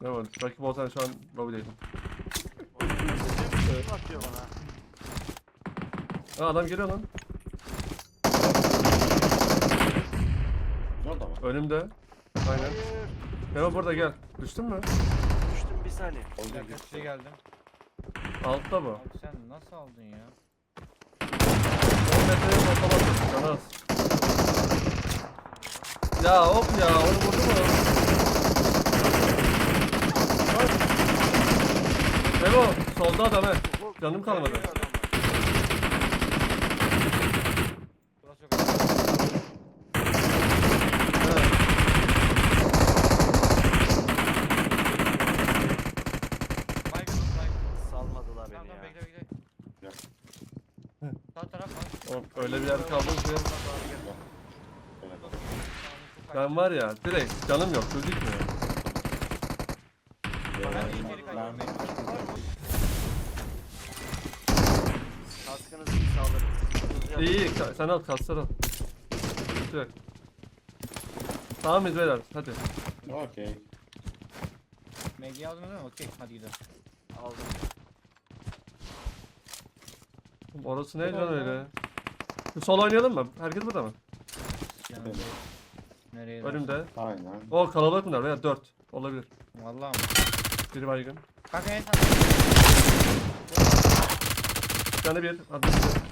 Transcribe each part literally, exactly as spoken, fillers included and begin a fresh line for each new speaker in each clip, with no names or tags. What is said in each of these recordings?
Ne var? Rakip olsan şu an lobby'deydim.
Kim atıyor bana?
Aa adam geliyor lan.
Orada mı?
Önümde. Aynen.
Hayır.
Memo burada gel. Düştün mü?
Düştüm bir saniye.
Bir
Oldu
dakika size geldim.
Altta bu.
Abi sen nasıl aldın ya?
on metreye ortalamazsın. Canı az. Ya hop ya onu vurdu mu? Bak. Memo solda adam he. Canım kalmadı.
Geliyor adamlar.
Burası çok önemli.
Evet.
Baygın dur baygın.
Salmadılar
Tamam
beni
tamam
ya.
bekle bekle.
Ya.
Sağ taraf var.
Oğlum, öyle bir yer kaldı ki.
Öyle.
Ben var ya direkt canım yok gözükmüyor.
Ben de içeri kaçıyorum.
Kaskınızı iyi sağlarım.
İyi iyi ka- sen al kasları al. Sıkıntı yok. Tamam mıyız beyler hadi.
Okey.
M G'yi aldınız değil mi? Okey hadi gidelim.
Aldım.
Orası ne can öyle? Şu sol oynayalım mı? Herkes burada mı?
Yani
Evet.
nereye?
Önümde.
Aynen.
O kalabalık bunlar veya dört olabilir.
Vallahi mi?
Biri baygın.
Kanka en sağ.
Bir tane bir. Hadi. Bir.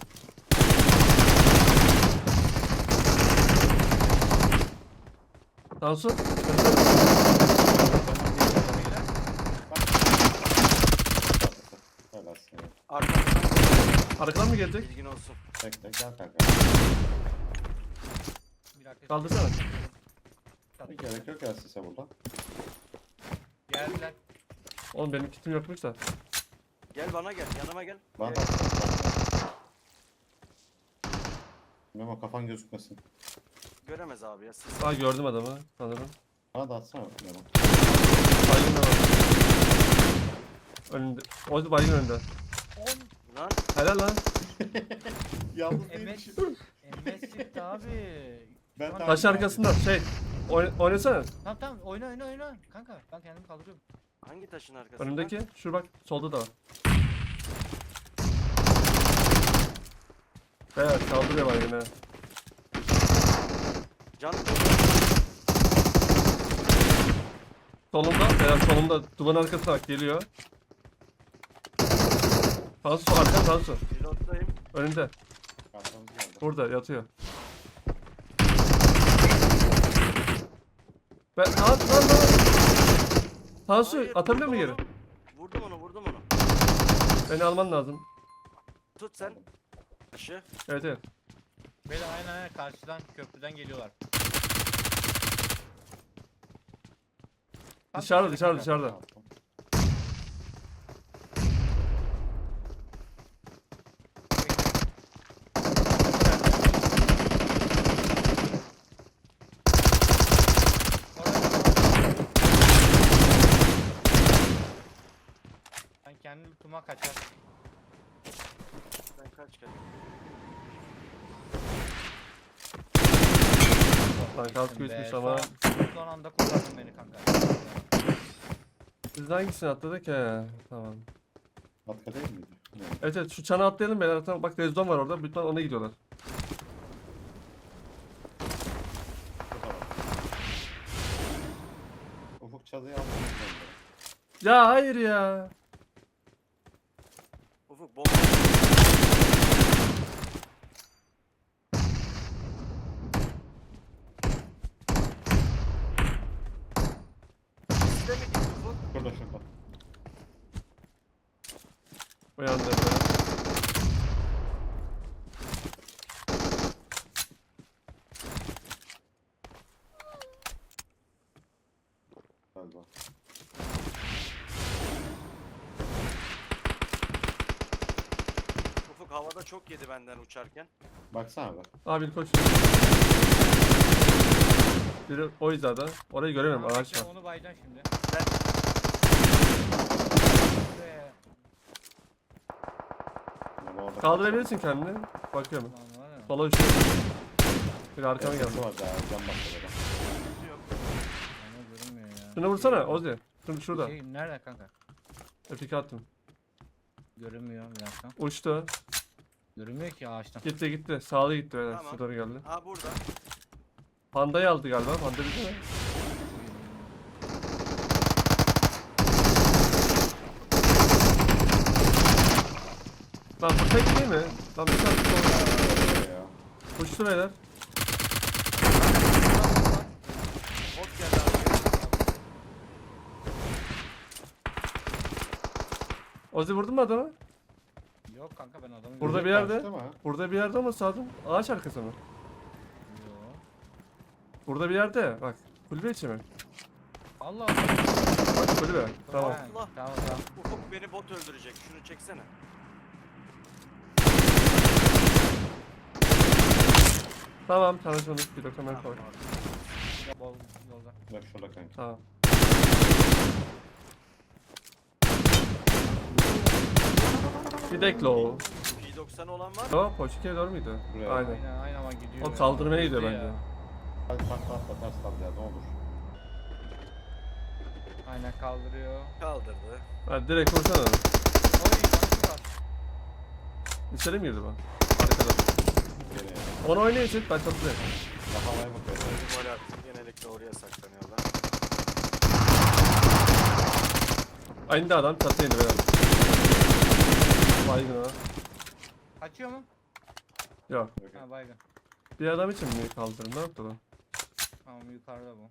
Tansu.
Helal seni.
Arkamdan
Arkadan mı gelecek?
bilgin olsun.
Tek tek gel kanka.
Bir dakika.
Kaldırsana.
Bir gerek yok ya size burada.
Geldiler.
Oğlum benim kitim yokmuş da.
Gel bana gel. Yanıma gel.
Bana
Gel.
da. Memo kafan gözükmesin.
Göremez abi ya. Siz
Aa gördüm adamı sanırım.
Bana da atsana Memo.
Baygın da var. Önünde. O da baygın önünde.
lan.
Helal lan.
Yalnız
M S M S çıktı abi.
Ben
Şu an-
de-
Taş arkasında şey. Oyn oynasana.
Tamam tamam oyna oyna oyna. Kanka ben kendimi kaldırıyorum.
Hangi taşın arkasında?
Önümdeki. Şu bak solda da var. Evet kaldırıyor baygın ha.
Can.
Solunda. Beyler solunda. Duvarın arkasına bak geliyor. Tansu arkan Tansu.
Pilottayım.
Önünde.
Arkamız geldi.
Burada yatıyor. Ben at lan lan. Tansu
Hayır,
atabiliyor mu
vurdum
geri?
onu. Vurdum onu vurdum onu.
Beni alman lazım.
Tut sen. Taşı.
Evet evet.
Böyle aynen aynen karşıdan köprüden geliyorlar.
Dışarıda dışarıda dışarıda.
Attım.
Ben kendi lootuma kaçar.
Ben kaç kere.
Lan kaskı
Be,
uçmuş
son
ama.
an- Son anda kurtardın beni kanka.
Biz hangisini atladık he? Tamam.
Atka değil miydi? Evet.
Evet evet şu çana atlayalım beyler. Tamam, bak Rezdon var orada. Bütün ona gidiyorlar.
Ufuk çadıyı aldım.
Ya hayır ya.
Ufuk bomba. Sizde mi gitti Ufuk?
Şurada şurada.
Uyandı.
Galiba.
Ufuk havada çok yedi benden uçarken.
Baksana be.
Abi koş. Biri o hizada. Orayı göremiyorum.
Tamam,
Ağaç
bekle,
var.
onu bayacaksın şimdi.
Ben
Be.
Memo orada.
Kaldırabilirsin kendini. Bakıyorum.
Lan var ya.
Sola uçuyor. Biri arkama geldi.
Var daha can başladı.
yok.
Ama görünmüyor ya.
Şunu vursana Ozi. Şimdi şurada.
Şey nerede kanka?
Epik attım.
Görünmüyor bir dakika.
Uçtu.
Görünmüyor ki ağaçtan.
Gitti gitti. Sağlı gitti beyler.
Tamam.
Şu doğru geldi.
Ha burada.
Pandayı aldı galiba. Panda bitti mi? Lan bu tek değil mi? Lan bir tane sonra.
Ya.
Uçtu beyler.
Bot geldi abi.
Ozi vurdun mu adamı?
Yok kanka ben adamı
Burada
Çocuk
bir yerde.
kaçtı mı?
Burada bir yerde ama sağdım. Ağaç arkası mı?
Yok.
Burada bir yerde. Bak. Kulübe içi mi?
Allah Allah.
Bak kulübe. Tamam.
Ha,
Allah.
Tamam tamam.
Ufuk beni bot öldürecek. Şunu çeksene.
Tamam tanışmadık. Bir dakika ben
Tamam
koy.
abi.
Bol yolda.
Bak şurada kanka.
Tamam. Bir deklo o.
P doksan olan var mı?
O Poçike'ye doğru muydu?
Buraya.
Aynen.
Aynen aynen ama gidiyor.
O
ya.
kaldırmaya gidiyor
Gitti
bence.
ya.
Hadi takla atla ters ya ne olur.
Aynen kaldırıyor.
Kaldırdı.
Hadi direkt vursana.
Oy tanesi var.
İçeri mi girdi bu? Arkada.
Gene ya.
Onu oynayın çek ben çatlayayım.
Daha havaya bakıyor.
Öldü gol attı. Genellikle oraya saklanıyorlar.
Aynı adam çatıya indi beyler. Baygın ha.
Açıyor mu?
Yok.
Ha baygın.
Bir adam için mi kaldırın? Ne yaptı lan?
Tamam yukarıda bu.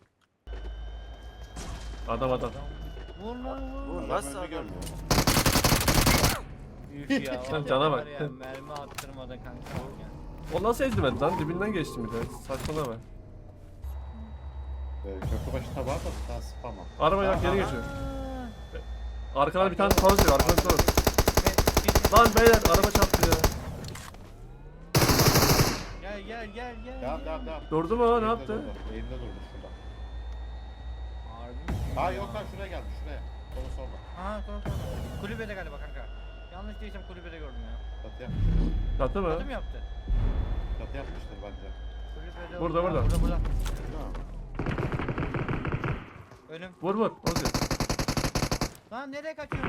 Adam adam.
Vur lan vur.
Bu
Adam
nasıl
önünü
adam?
görmüyor.
Üf ya.
Sen
o
cana
var
bak.
Ya, mermi attırmadı kanka. Ya.
O nasıl ezdirmedi lan? Dibinden geçtim bir de. Saçmalama.
Ee, köprü başında var da bir tane spam var.
Araba yok geri
Aha.
geçiyor.
Aa,
Arkadan bir tane toz diyor. Arkadan toz.
be- kesin-
Lan beyler araba çarptı ya.
Gel gel gel gel.
Devam devam devam.
Durdu mu o? Ne
Eğimde
yaptı?
durdu, Eğimde durdu şurada.
Harbi mi?
Ha yok lan şuraya geldi şuraya. Solu solda.
Ha tamam tamam. Kulübede galiba kanka. Yanlış değilsem kulübede gördüm ya.
Çatı yapmıştır.
Çattı mı?
Kötü mü yaptı?
Çatı yapmıştır bence.
Kulübede
Burada,
Ha,
burada.
Burada burada.
Değil mi?
Önüm.
Vur vur. Ozi.
Lan nereye kaçıyorsun?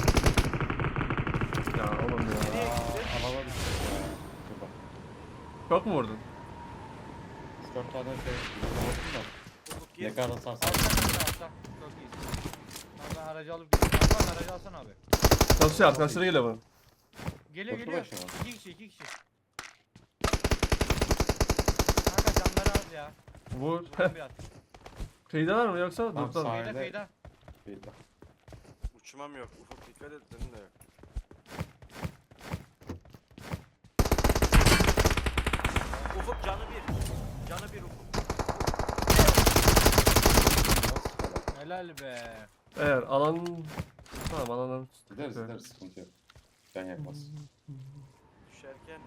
Ya oğlum ya.
Nereye
Aa,
gitti?
alana düştük ya. Şurada.
Çok mu vurdun?
üç dört tane şey. Vurdum da.
Ufuk gir.
Ne kadar sarsan.
Altta kanka altta. Çok iyisin. Lan ben aracı alıp gidiyorum. Lan aracı alsana abi.
Çalışıyor arkadaşları geliyor bana.
Geliyor
Köprü
geliyor.
başı mı?
İki kişi iki kişi. Kanka canları az ya.
Vur.
Vurun bir at.
Kıyıdalar mı yoksa?
Tamam,
Durdular mı?
sahil.
Kıyıda
Sahilde-
kıyıda.
Şeyde.
Uçmam yok. Ufuk dikkat et. Senin de yok. Ufuk canı bir. Canı bir Ufuk.
Nasıl kadar?
Helal be.
Eğer alan... Tamam alanı...
Gideriz gideriz sıkıntı yok. Can yakmaz.
Düşerken.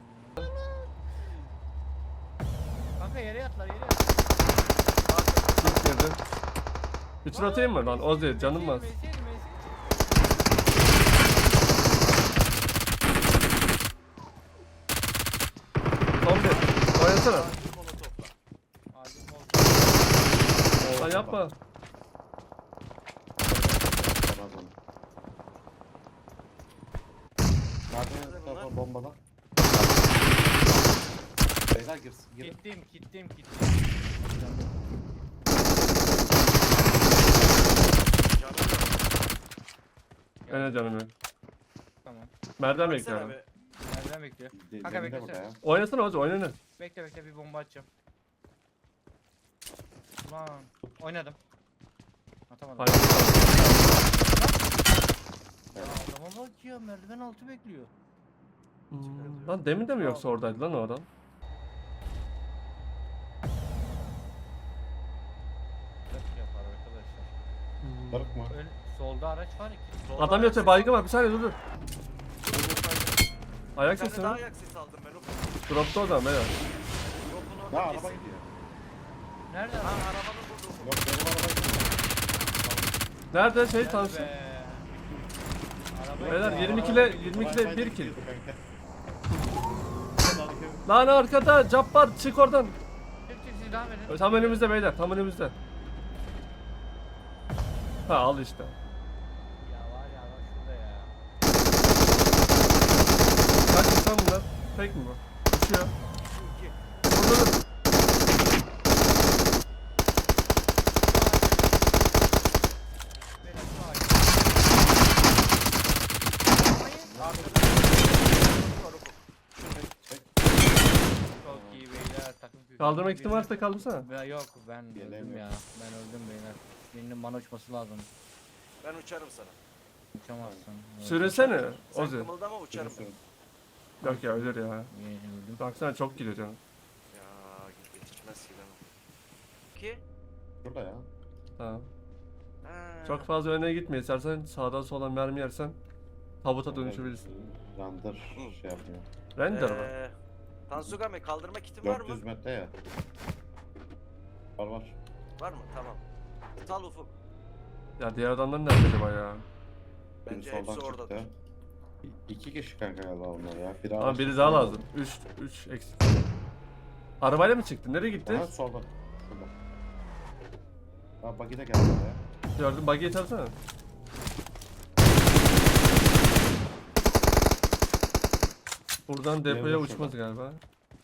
Kanka yere yatlar yere yat.
İlk girdi. Bütün atayım mı lan? Ozi canım var.
Mesir, mesir, mesir.
Son bir. Oynasana.
Acil molotofla.
Ağzım oldu.
Lan yapma.
Yapamaz onu. Nerede tarafa bombala? Beyler girsin. Girin.
Gittim gittim gittim.
Canı yok.
Öyle canım yok.
Tamam.
Merdiven
Baksana
bekliyorum.
be.
Nereden bekliyor?
De-
Kanka
deminde
beklesene.
burada ya.
Oynasana Ozi oynayın.
Bekle bekle bir bomba atacağım. Lan oynadım. Atamadım.
Hayır.
Ya adama bak ya merdiven altı bekliyor.
Hmm, Lan demin de mi yoksa oradaydı lan o adam?
Nasıl yapar arkadaşlar?
Barık mı?
Ön, solda araç var iki.
Solda
Adam
ayak
yoksa
sesi-
baygın var bir saniye dur dur. Ayak
Bir tane
sesi
daha
mi?
ayak sesi aldım ben Ufuk.
Dropta o zaman beyler.
Yokun orada
Ha araba
kesin.
gidiyor.
Nerede
Ha
lan?
arabanın burada Ufuk.
Yok benim araba gidiyor.
Nerede şey
Nerede
tanışın?
be? Araba
Beyler
gidiyor.
yirmi
Araba
kile
gidiyor.
yirmi kile
Wi-Fi'den
bir kill.
gidiyordu kanka.
Lan arkada Cabbar çık oradan.
Çık çık siz devam edin.
Tam önümüzde beyler tam önümüzde. Ha al işte.
Ya var ya bak şurada ya.
Kaç insan bunlar? Tek mi bu? Uçuyor.
İki.
Burada dur.
Benim şu ağaç.
Arkada. Var ufuk.
Çok iyi beyler takım kökü.
Kaldırmak ihtimali varsa kaldırsana.
Ben yok ben öldüm
Gelemiyorum.
ya. Ben öldüm beyler. Birinin bana uçması lazım.
Ben uçarım sana.
Uçamazsın. Öldüm.
Süresene
Sen
Ozi.
kımıldama uçarım.
Sürün, sürün.
Yok ya ölür ya.
İyi, öldüm.
Baksana çok gidiyor canım.
Ya git yetişmez ki ben. İki.
Şurada ya.
Tamam.
Ha.
Çok fazla öne gitme istersen sağdan soldan mermi yersen tabuta dönüşebilirsin.
Render şey yapmıyor.
Render mı?
Ee, Tansugame kaldırma kitin var
dört
mı?
yüz metre ya. Var var.
Var mı? Tamam. Tal ufuk.
Ya diğer adamlar nerede acaba ya?
Biri
Bence
soldan
hepsi
çıktı.
oradadır.
İ- İki kişi kanka galiba onlar ya. Biri
Ama
araç
biri
çıktı.
daha lazım. üç üç eksik. Arabayla mı çıktı? Nereye gitti?
Aha solda. Şurada. Ha buggy de geldi ya.
Gördüm buggy'yi tarsana. Buradan depoya
Nerede
uçmaz
şurada?
galiba.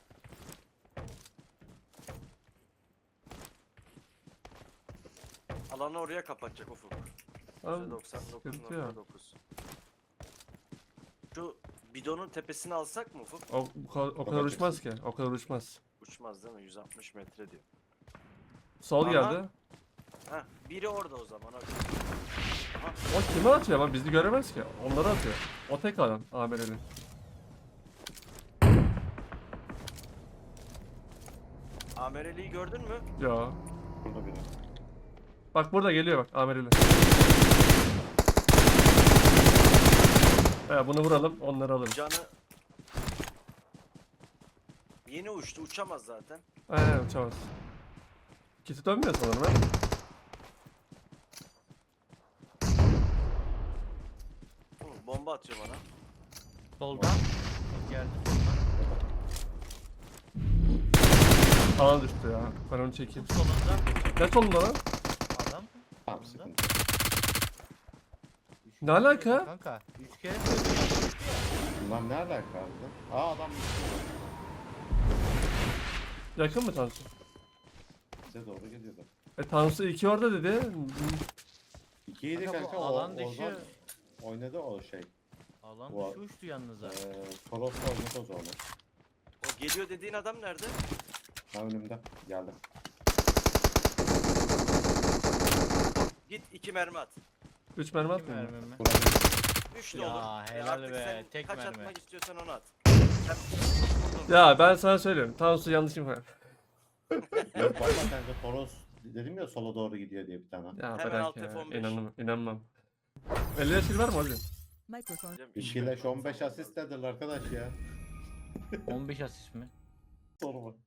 Alanı oraya kapatacak ufuk.
Tamam.
doksan dokuz
sıkıntı yok.
nokta dokuz. Şu bidonun tepesini alsak mı ufuk?
O, bu kadar, o kadar uçmaz ki. O kadar uçmaz.
Uçmaz değil mi? yüz altmış metre diyor.
Sol
Aha.
geldi.
Heh, biri orada o zaman. Hadi.
O kime atıyor ama bizi göremez ki. Onları atıyor. O tek adam Amereli.
Amereli'yi gördün mü?
Ya.
Burada biri.
Bak burada geliyor bak Amereli. He bunu vuralım onları alırız.
Canı... Yeni uçtu. Uçamaz zaten.
Aynen uçamaz. Kiti dönmüyor sanırım ha.
Hı, bomba atıyor bana.
Soldan. Geldi soldan.
Alan düştü ya. Ben onu çekeyim.
Solunda.
Ne solunda lan?
Adam.
Tamam
Solunda.
sıkıntı.
Üç
Ne
kere
alaka?
söyledim Kanka. Üç kere söyledim.
Bunlar ne alaka abi? Aa adam
Yakın mı Tansu?
bize doğru geliyordu.
E Tansu iki orada dedi.
İkiydi
Kanka bu
kanka o
alan
Ozan
dışı-
oynadı o şey.
Alan
Bu-
dışı uçtu yalnız ha.
Eee Toros'ta oynadı o zaman.
O geliyor dediğin adam nerede?
Ha önümde geldi.
Git iki mermi at.
Üç mermi
Kim
atmıyor mu?
vermem mi?
Buraya
Üç de
Ya,
olur. E
helal
artık
be,
sen
tek
kaç
mermi.
atmak istiyorsan onu at.
Ya ben sana söylüyorum. Tansu yanlış info.
Yok valla kanka Toros dedim ya sola doğru gidiyor diye bir tane.
Ya
Hemen
bırak
alt
ya.
F on beş.
İnanmam. İnanmam. elli yaş var mı hocam?
Microphone.
İki leş on beş asist dediler arkadaş ya.
on beş asist mi?
Soru mu?